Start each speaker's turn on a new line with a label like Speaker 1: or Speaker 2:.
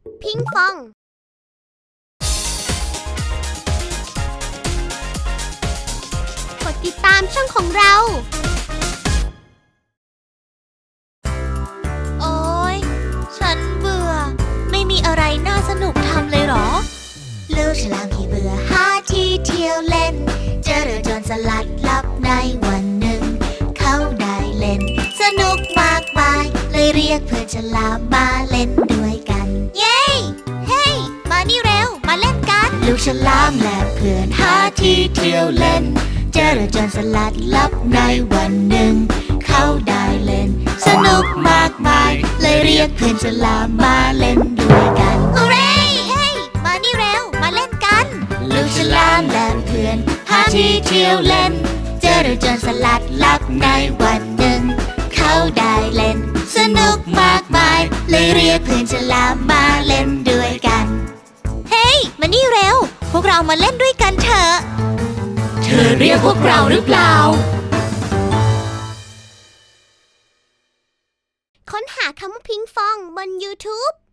Speaker 1: พิงฟองกดติดตามช่องของเราโอ๊ยฉันเบื่อไม่มีอะไรน่าสนุกทำเลยเหรอลูกฉลามที่เบื่อหาที่เที่ยวเล่นเจอเรือโจรสลัดลับในวันหนึ่งเขาได้เล่นสนุกมากมายเลยเรียกเพื่อนฉลามมาเล่นด้วยกันเย้เฮ้ยมานี่เร็วมาเล่นกันลูกฉลามและเพื่อนหาที่เที่ยวเล่นเจอเรือโจรสลัดลับในวันหนึ่งเขาได้เล่นสนุกมากมายเลยเรียกเพื่อนฉลามมาเล่นด้วยกันฮูเร่เฮ้ยมานี่เร็วมาเล่นกันลูกฉลามและเพื่อนหาที่เที่ยวเล่นเจอเรือโจรสลัดลับในวันหนึ่งเขาได้เล่นสนุกมากมายเลยเรียกเพื่อนฉลามมาเล่นด้วยกันเฮ้ยมานี่เร็วพวกเรามาเล่นด้วยกันเถอะ
Speaker 2: เธอเรียกพวกเราหรือเปล่า
Speaker 1: ค้นหาคำว่าพิงฟองบน YouTube